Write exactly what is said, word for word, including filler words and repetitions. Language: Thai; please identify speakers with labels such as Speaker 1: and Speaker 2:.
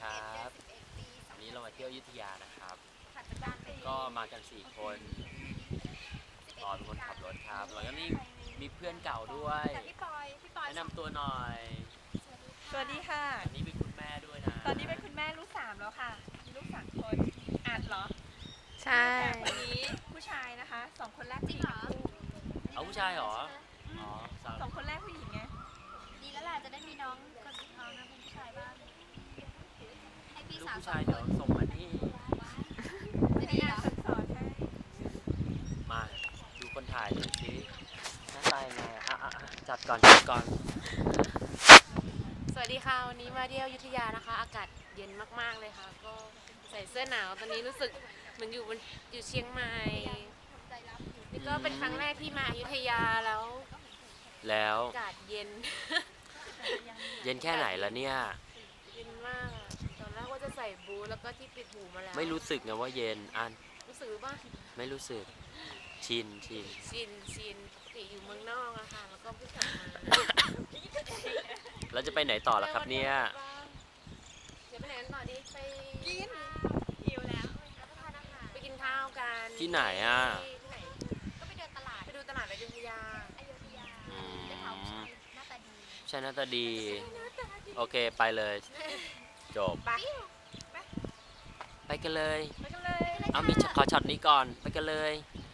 Speaker 1: ครับวันนี้เรามาเที่ยวอยุธยานะครับก็มากันสี่คนปอเป็นคนขับรถครับแล้วก็นี่มีเพื่อนเก่าด้วยแนะนำตัวหน่อย
Speaker 2: สวัสดีค่ะ
Speaker 1: อันนี้เป็นคุณแม่ด้วยนะ
Speaker 2: ตอนนี้เป็นคุณแม่ลูกสามแล้วค่ะมีลูกสามคนอาจเหรอ
Speaker 3: ใช่
Speaker 2: คนนี้ผู้ชายนะคะสองคนแรกผู้หญิงเหรอ
Speaker 1: เอาผู้ชายเหรออ๋อ
Speaker 2: สองคนแรกผู้หญิงไง
Speaker 3: ดีแล้วแหละจะได้มีน้องคนสุดท้องนะเป็นผู้ชายบ้างให้พี่
Speaker 1: ลูก
Speaker 3: สาว
Speaker 1: ผู้ชายเดี๋ยวส่งมานี่
Speaker 3: ไม่ดีเหรอ
Speaker 2: สอนให้
Speaker 1: มาดูคนถ่ายหน่อยสิหน้าตายังไงอ่ะอ่ะจัดก่อนจัดก่อน
Speaker 4: สวัสดีค่ะวันนี้มาเที่ยวอยุธยานะคะอากาศเย็นมากๆเลยค่ะก็ใส่เสื้อหนาวตอนนี้รู้สึกเหมือนอยู่บนอยู่เชียงใหม่นี่ก็เป็นครั้งแรกที่มาอยุธยาแล้ว
Speaker 1: แล้ว
Speaker 4: อากาศเย็น
Speaker 1: เย็นแค่ไหนแล้วเนี่ย
Speaker 4: เย็นมากตอนแรกว่าจะใส่บูทแล้วก็ที่ปิดหูมาแล้ว
Speaker 1: ไม่รู้สึกนะว่าเย็นอัน
Speaker 4: รู้สึกป่ะ
Speaker 1: ไม่รู้สึกชินชิน
Speaker 4: ชินชินปกติอยู่เมืองนอกอะค่ะแล้วก็เพิ่งกลับมา
Speaker 1: แล้วจะไปไหนต่อล่ะครับเนี่ย
Speaker 4: เดี๋ยวไปไหนกันต่อดีไป
Speaker 2: กินหิวแล้ว
Speaker 4: ไปกินข้าวกัน
Speaker 1: ที่ไหนอ่ะ
Speaker 4: ที่ไหน
Speaker 3: ก็ไปเดินตลาด
Speaker 4: ไปดูตลาดอยุธยา
Speaker 3: อยุธยาได้ข่าวผู้ชายหน้าตาดี
Speaker 1: ใช่หน้าตาดีโอเคไปเลยจบ
Speaker 4: ไป
Speaker 1: ไปกันเลย
Speaker 2: ไปกันเลย
Speaker 1: เอามีขอช็อตนี้ก่อนไปกันเลย
Speaker 3: ไ